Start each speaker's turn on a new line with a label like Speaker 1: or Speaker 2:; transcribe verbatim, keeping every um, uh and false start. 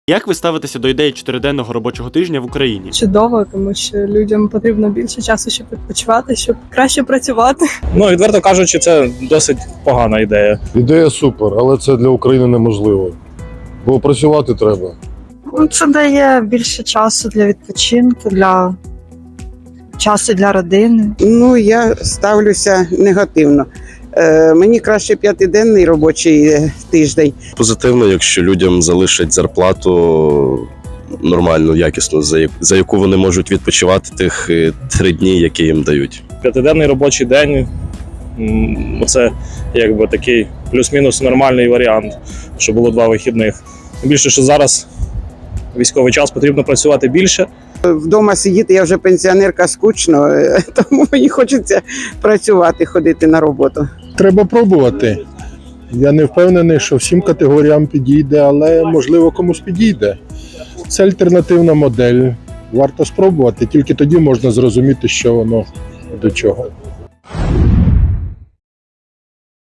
Speaker 1: Як ви ставитеся до ідеї чотириденного робочого тижня в Україні?
Speaker 2: Чудово, тому що людям потрібно більше часу, щоб відпочивати, щоб краще працювати.
Speaker 3: Ну, відверто кажучи, це досить погана ідея.
Speaker 4: Ідея супер, але це для України неможливо. Бо працювати треба.
Speaker 5: Ну, це дає більше часу для відпочинку, для часу для родини.
Speaker 6: Ну, я ставлюся негативно. Е, мені краще п'ятиденний робочий тиждень.
Speaker 7: Позитивно, якщо людям залишать зарплату нормальну, якісну, за, за яку вони можуть відпочивати тих три дні, які їм дають.
Speaker 3: П'ятиденний робочий день – це якби такий плюс-мінус нормальний варіант, що було два вихідних. Більше, що зараз військовий час, потрібно працювати більше.
Speaker 6: Вдома сидіти, я вже пенсіонерка, скучно, тому мені хочеться працювати, ходити на роботу.
Speaker 8: Треба пробувати. Я не впевнений, що всім категоріям підійде, але можливо комусь підійде. Це альтернативна модель. Варто спробувати, тільки тоді можна зрозуміти, що воно до чого.